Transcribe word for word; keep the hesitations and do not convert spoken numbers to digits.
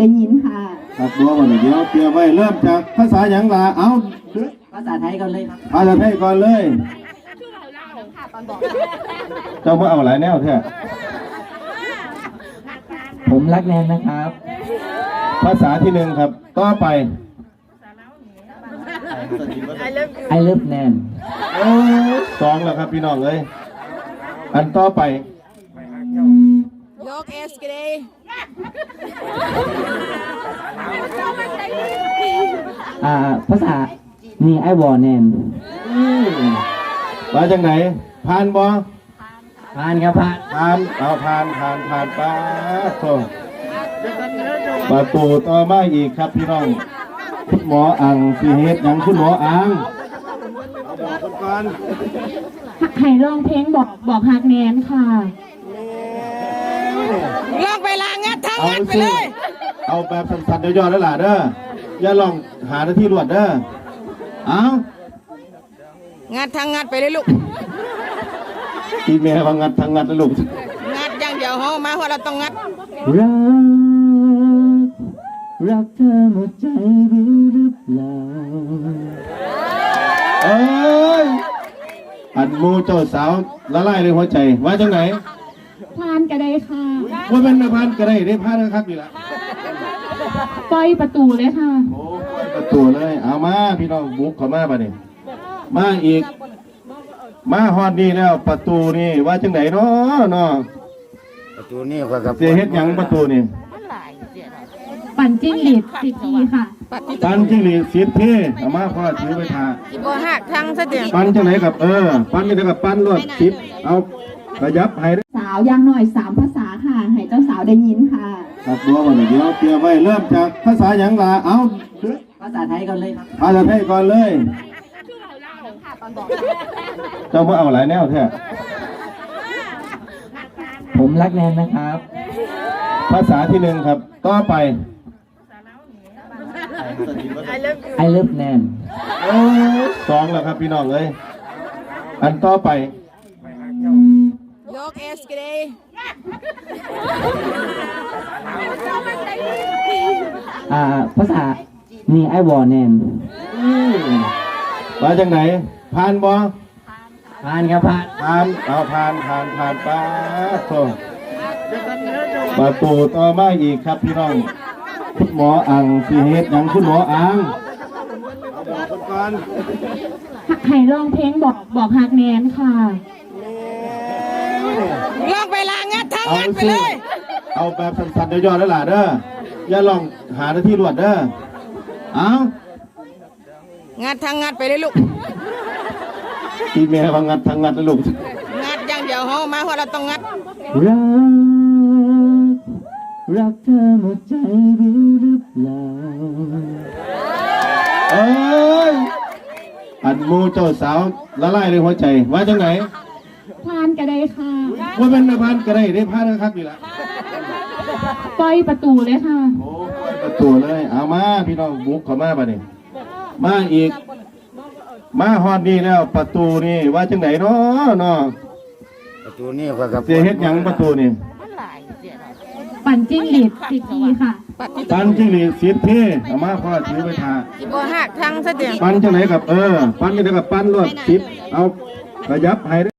ได้ยินค่ะครับบัววันเดียวเตรียมไว้เริ่มจากภาษาหยังล่ะเอาภาษาไทยก่อนเลยครับภาษาไทยก่อนเลยเจ้าเมื่อเอาหลายแนวแท้ผมรักแนนนะครับภาษาที่หนึ่งครับต่อไป I love แนนสองแล้วครับพี่น้องเลยอันต่อไปยกเอสกันเลยอ่าภาษานี่ไอวอแนนมาจากไหนผ่านบ่ผ่านครับผ่านผ่านเอาผ่านผ่านผ่านป้าโตประตูต่อมาอีกครับพี่น้องคุณหมออังสีเฮ็ดยังคุณหมออังบอกคนก่อนให้ร้องเพลงบอกบอกฮักแนนค่ะลองไปลางัดทั้งงัดไปเลยเอาแบบสั้นๆย่อๆแล้วล่ะเด้ออย่าลองหาหน้าที่รวดเด้อเอางัดทั้งงัดไปเลยลูกทีแม่ว่างัดทั้งงัดแล้วลูกงัดอย่างเดียวเฮามาเพราะเราต้องงัดรักรักเธอหมดใจรู้หรือเปล่าเอ้ยอันมูเจ้าสาวละลายในหัวใจว่าจังไหนพานก็ได้ค่ะว่าเป็นพานก็ได้ได้พานนะครับนี่ละปล่อยประตูเลยค่ะโอ้ปล่อยประตูเลยเอามาพี่น้องบุกเข้ามาป่ะนี่มาอีกมาฮอดนี่แล้วประตูนี่ว่าจังไหนเนาะเนาะประตูนี่ก็กับเสียเฮ็ดหยังประตูนี่ปั่นจิ้งหรีดสิบทีค่ะปั่นจิ้งหรีดสิบทีเอามาพ่อถือไปทาบ่หักทั้งซะเดียวปั่นจังไหนกับเออปั่นนี่กับปั่นรถสิบเอาขยับให้สาวยังหน่อยสามภาษาค่ะให้เจ้าสาวได้ยินค่ะครับบัววันเดียวเตรียมไว้เริ่มจากภาษาหยังล่ะเอาภาษาไทยก่อนเลยครับภาษาไทยก่อนเลยเจ้าเมื่อเอาหลายแนวแท้ผมรักแนนนะครับภาษาที่หนึ่งครับต่อไป I love แนนสองแล้วครับพี่น้องเลยอันต่อไปยกเอสกันเลยอ่าภาษานี่ไอวอแนนมาจากไหนผ่านบ่ผ่านครับผ่านผ่านเอาผ่านผ่านผ่านป้าโตประตูต่อมาอีกครับพี่น้องคุณหมออังสีเฮ็ดยังคุณหมออังบอกคนก่อนให้ร้องเพลงบอกบอกฮักแนนค่ะลองไปลางัดทั้งงัดไปเลยเอาแบบสั้นๆย่อๆแล้วล่ะเด้ออย่าลองหาหน้าที่รวดเด้อเอางัดทั้งงัดไปเลยลูกทีแม่ว่างัดทั้งงัดแล้วลูกงัดอย่างเดียวเฮามาเพราะเราต้องงัดรักรักเธอหมดใจรู้หรือเปล่าเอ้ยอันมูเจ้าสาวละลายในหัวใจว่าจังไหนพานก็ได้ค่ะว่าเป็นพานก็ได้ได้พานนะครับนี่ละปล่อยประตูเลยค่ะโอ้ปล่อยประตูเลยเอามาพี่น้องบุกเข้ามาป่ะนี่มาอีกมาฮอดนี่แล้วประตูนี่ว่าจังไหนเนาะเนาะประตูนี่ก็กับเสียเฮ็ดหยังประตูนี่ปั่นจิ้งหรีดสิบทีค่ะปั่นจิ้งหรีดสิบทีเอามาพ่อถือไปทาบ่หักทั้งซะเดียวปั่นจังไหนกับเออปั่นจังไหนกับปั่นรถสิบเอาขยับให้